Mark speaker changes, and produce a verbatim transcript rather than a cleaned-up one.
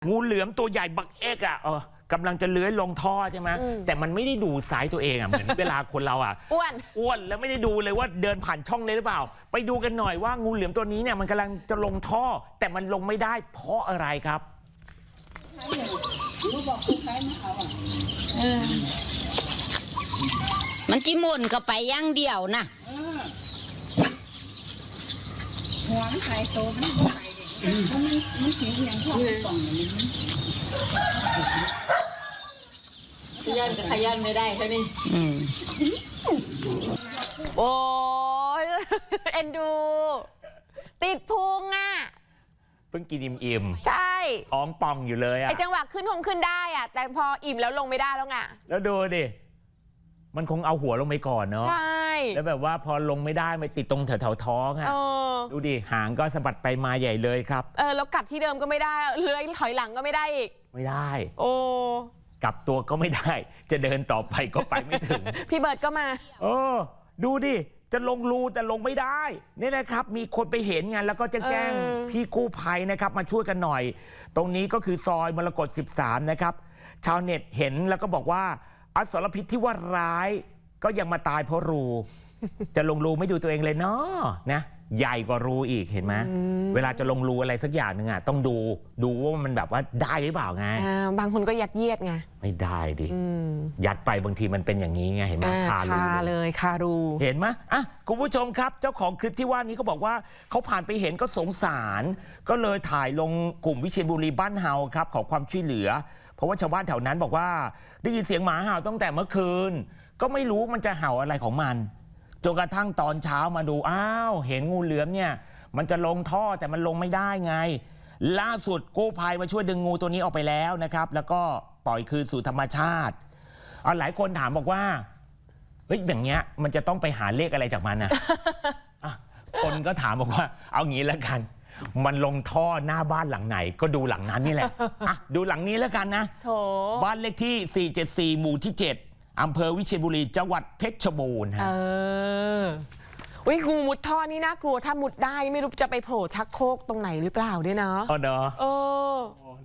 Speaker 1: งูเหลือมตัวใหญ่บักเอกอ่ะเออกำลังจะเลื้อยลงท่อใช่ไหมแต่มันไม่ได้ดูสายตัวเองอ่ะเหมือนเวลาคนเราอ่ะ
Speaker 2: อ้วน
Speaker 1: อ้วนแล้วไม่ได้ดูเลยว่าเดินผ่านช่องเลยหรือเปล่าไปดูกันหน่อยว่างูเหลือมตัวนี้เนี่ยมันกำลังจะลงท่อแต่มันลงไม่ได้เพราะอะไรครับ
Speaker 3: มันจิมุนก็ไปย่างเดียวนะ
Speaker 4: หัวมันใส่โตมันบ่ใส่เด็กมันมันสีอย่างช่องป่องนี้ขยันกับขยันไม่ได้เท่านี้
Speaker 2: โอ้ยเอ็นดู ติดพุงอ่ะ
Speaker 1: เพิ่งกินอิ่ม
Speaker 2: ใช่
Speaker 1: ท้องป่องอยู่เลยอ่ะ
Speaker 2: ไอจังหวะขึ้นคงขึ้นได้อ่ะแต่พออิ่มแล้วลงไม่ได้แล้วไง
Speaker 1: แล้วดูดิมันคงเอาหัวลงไปก่อนเนาะ
Speaker 2: ใช่
Speaker 1: แล้วแบบว่าพอลงไม่ได้ไปติดตรงแถวๆท้องอ่ะดูดิหางก็สะบัดไปมาใหญ่เลยครับ
Speaker 2: เออแล้วกลับที่เดิมก็ไม่ได้เลื้อยถอยหลังก็ไม่ได้อีก
Speaker 1: ไม่ได้
Speaker 2: โอ้
Speaker 1: กลับตัวก็ไม่ได้จะเดินต่อไปก็ไปไม่ถึง
Speaker 2: พี่เบิร์ดก็มา
Speaker 1: เออดูดิจะลงรูแต่ลงไม่ได้นี่นะครับมีคนไปเห็นไงแล้วก็จะแจ้งพี่กู้ภัยนะครับมาช่วยกันหน่อยตรงนี้ก็คือซอยมรกตสิบสามนะครับชาวเน็ตเห็นแล้วก็บอกว่าอสรพิษที่ว่าร้ายก็ยังมาตายเพราะรู จะลงรูไม่ดูตัวเองเลยเนาะนะใหญ่กว่ารูอีกเห็นไหมเวลาจะลงรูอะไรสักอย่างหนึ่งอ่ะต้องดูดูว่ามันแบบว่าได้หรือเปล่าไง
Speaker 2: บางคนก็ยัดเยียดไง
Speaker 1: ไม่ได้ดิยัดไปบางทีมันเป็นอย่างนี้ไงเห็นไหมคารู
Speaker 2: เลยคารู
Speaker 1: เห็นไหมอ่ะคุณผู้ชมครับเจ้าของคลิปที่ว่านี้เขาบอกว่าเขาผ่านไปเห็นก็สงสารก็เลยถ่ายลงกลุ่มวิเชียรบุรีบ้านเฮาครับขอความช่วยเหลือเพราะว่าชาวบ้านแถวนั้นบอกว่าได้ยินเสียงหมาเห่าตั้งแต่เมื่อคืนก็ไม่รู้มันจะเห่าอะไรของมันจนกระทั่งตอนเช้ามาดูอ้าวเห็นงูเหลือมเนี่ยมันจะลงท่อแต่มันลงไม่ได้ไงล่าสุดกู้ภัยมาช่วยดึงงูตัวนี้ออกไปแล้วนะครับแล้วก็ปล่อยคืนสู่ธรรมชาติเอาหลายคนถามบอกว่าเฮ้ยอย่างเงี้ยมันจะต้องไปหาเลขอะไรจากมันนะ คนก็ถามบอกว่าเอางี้แล้วกันมันลงท่อหน้าบ้านหลังไหนก็ดูหลังนั้นนี่แหละอ่ะดูหลังนี้แล้วกันนะบ้านเลขที่สี่เจ็ดสี่หมู่ที่เจ็ดอำเภอวิเชียรบุรีจังหวัดเพชรบูรณ์ฮะ
Speaker 2: เอออุ้ยงูมุดท่อนี่น่ากลัวถ้ามุดได้ไม่รู้จะไปโผล่ชักโครกตรงไหนหรือเปล่าด้วยนะ
Speaker 1: อ๋อเนาะ
Speaker 2: เออ